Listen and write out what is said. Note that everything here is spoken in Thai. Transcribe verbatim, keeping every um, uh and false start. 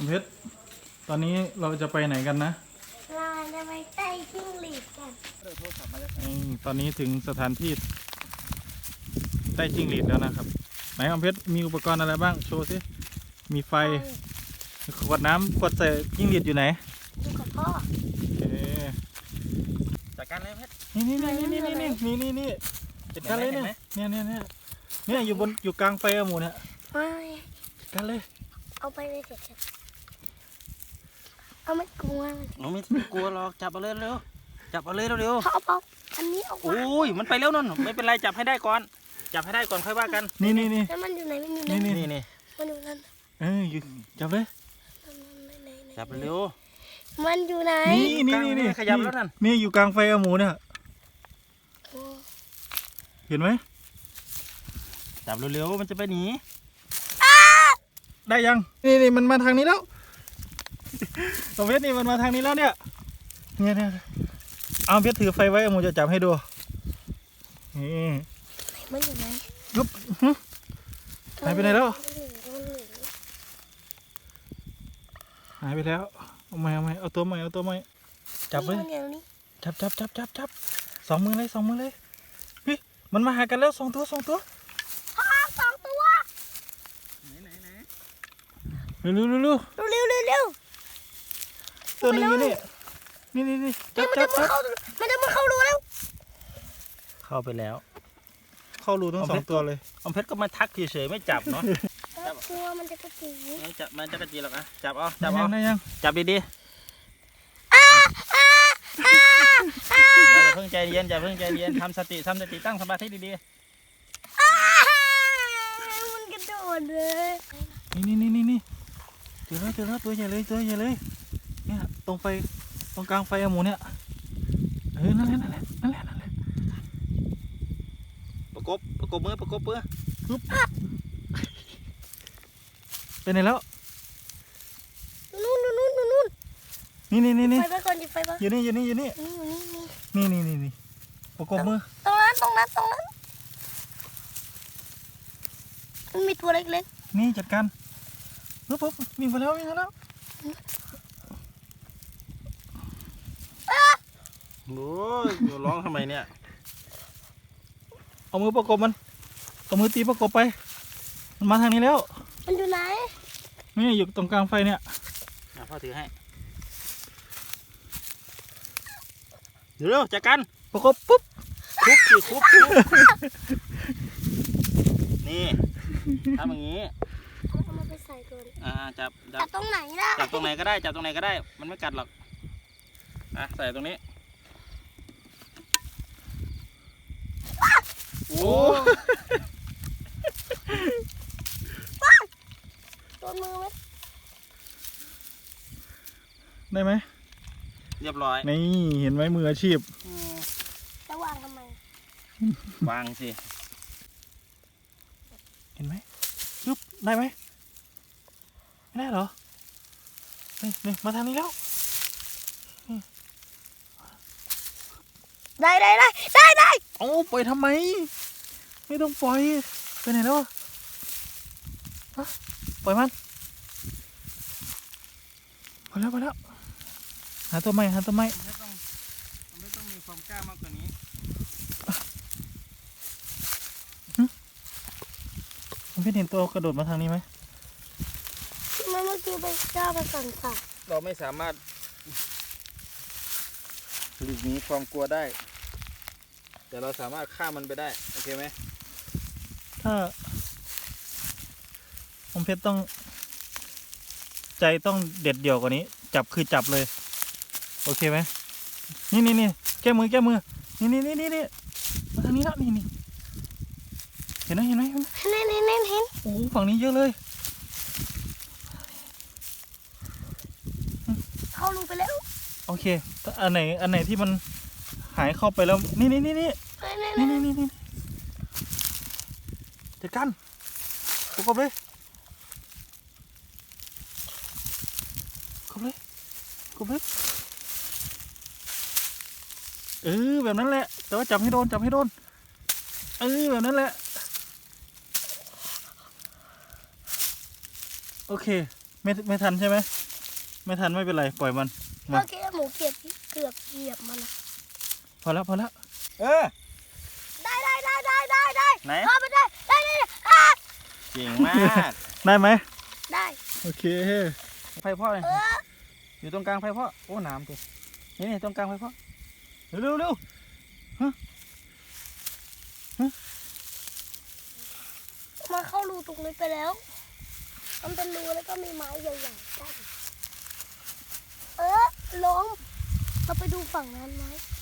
เพชรตอนนี้เราจะไปไหนกันนะเราจะไปใต้จิ้งหรีดกันตอนนี้ถึงสถานที่ใต้จิ้งหรีดแล้วนะครับไหนอมเพชรมีอุปกรณ์อะไรบ้างโชว์สิมีไฟขวดน้ำขวดใส่จิ้งหรีดอยู่ไหนอยู่กับพ่อโอเคจัดการเลยเพชรนี่นี่นี่นี่นี่นี่นี่นี่จัดการเลยเนี่ยเนี่ยเนี่ยเนี่ยเนี่ยอยู่บนอยู่กลางไฟอะหมูเนี่ยจัดการเลยเอาไปเลยเสร็จเอาไม่กลัวหนูไม่กลัวหรอกจับเอาเลยเร็วจับเอาเลยเร็วเขาเอาอันนี้ออกโอ้ยมันไปเร็วนั่นไม่เป็นไรจับให้ได้ก่อนจับให้ได้ก่อนค่อยว่ากันนี่นี่นี่แล้วมันอยู่ไหนมันอยู่ไหนนี่นี่นี่มันอยู่นั่นเอออยู่จับเลยจับเร็วมันอยู่ไหนนี่นี่นี่นี่ขยับแล้วนั่นนี่อยู่กลางไฟอะหมูเนี่ยเห็นไหมจับเร็วๆมันจะไปหนีได้ยังนี่นี่มันมาทางนี้แล้วตรงเพชรนี่มันมาทางนี้แล้วเนี่ยเนี่ยเนี่ยเอาเพชรถือไฟไว้หมูจะจับให้ดูนี่มันอยู่ไหนยุบหายไปไหนแล้วหายไปแล้วเอาไหมเอาไหมเอาตัวไหมเอาตัวไหมจับเลยจับจับจับจับจับสองมือเลยสองมือเลยเฮ้ยมันมาหากันแล้วสองตัวสองตัวสองตัวไหนไหนเร็วเร็วเร็วเร็วเร็วเร็วเร็วตัวนึงอยู่นี่นี่นี่นี่จับจับจับมันจะมาเข้ารูแล้วเข้าไปแล้วเข้ารูทั้งสองตัวเลยอมเพชรก็มาทักเฉยๆไม่จับเนาะกลัวมันจะกระจีไม่จับมันจะกระจีหรอกนะจับเอาจับเอาจับดีๆอย่าเพิ่งใจเย็นอย่าเพิ่งใจเย็นทำสติทำสติตั้งสมาธิดีๆมันกระโดดเลยนี่นี่นี่นี่เจอแล้วเจอแล้วตัวใหญ่เลยตัวใหญ่เลยเนี่ยตรงไฟตรงกลางไฟอะหมูเนี่ยเออนั่นแหละนั่นแหละนั่นแหละนั่นแหละประกบประกบมือประกบมือปึ๊บไปไหนแล้วนู่นนู่นนู่นนู่นนี่นี่นี่นี่ไฟไปก่อนดิไฟไปอยู่นี่อยู่นี่อยู่นี่นี่นี่นี่นี่ประกบมือตรงนั้นตรงนั้นตรงนั้นมันมีตัวเล็กๆนี่จัดการปุ๊บปุ๊บวิ่งไปแล้ววิ่งไปแล้วโอ้ยร้องทำไมเนี่ยเอามือประกบมันเอามือตีประกบไปมันมาทางนี้แล้วมันอยู่ไหนนี่อยู่ตรงกลางไฟเนี่ยพ่อถือให้เดี๋ยวจัดการประกบปุ๊บคุบสิคุบนี่ทำอย่างนี้เอามาไปใส่ก่อนอ่าจับจับตรงไหนล่ะจับตรงไหนก็ได้จับตรงไหนก็ได้มันไม่กัดหรอกอ่ะใส่ตรงนี้โอ้ตัวมือไหมได้ไหมเรียบร้อยนี่เห็นไหมมืออาชีพจะวางทำไมวางสิเห็นไหมยุบได้ไหมไม่ได้เหรอนี่นี่มาทางนี้แล้วได้ได้ได้ได้ได้โอ้ปล่อยทำไมไม่ต้องปล่อยไปไหนแล้วฮะปล่อยมันพอแล้วพอแล้วหาตัวใหม่หาตัวใหม่ไม่ต้องไม่ต้องมีความกล้ามากกว่านี้ผมเพิ่งเห็นตัวกระโดดมาทางนี้ไหมเมื่อกี้ไปกล้าไปสั่นสัตว์เราไม่สามารถหลีกหนีความกลัวได้แต่เราสามารถฆ่ามันไปได้โอเคไหมถ้าผมเพชรต้องใจต้องเด็ดเดี่ยวกว่านี้จับคือจับเลยโอเคไหมนี่นี่นี่แก้มือแก้มือนี่นี่นี่นี่นี่มาทางนี้แล้วนี่นี่เห็นไหมเห็นไหมเห็นเห็นเห็นเห็นเห็นโอ้ฝั่งนี้เยอะเลยเข้ารูไปแล้วโอเคอันไหนอันไหนที่มันหายเข้าไปแล้วนี่นี่นี่นี่นี่นี่นี่นี่จัดการประกบเลยประกบเลยประกบเลยเออแบบนั้นแหละแต่ว่าจับให้โดนจับให้โดนเออแบบนั้นแหละโอเคไม่ไม่ทันใช่ไหมไม่ทันไม่เป็นไรปล่อยมันเมื่อกี้หมูเกือบเกือบเหยียบมันนะพอแล้วพอแล้วเออได้ได้ได้ได้ได้ได้ไหนเข้าไปได้ได้ได้ได้อ่ะเก่งมากได้ไหมได้โอเคไฟพ่อเลยเอออยู่ตรงกลางไฟพ่อโอ้น้ำตัวนี่นี่ตรงกลางไฟพ่อเร็วเร็วเร็วมาเข้ารูตรงนี้ไปแล้ว มันเป็นรูแล้วก็มีไม้ใหญ่ๆกั้นเออล้มเราไปดูฝั่งนั้นไหม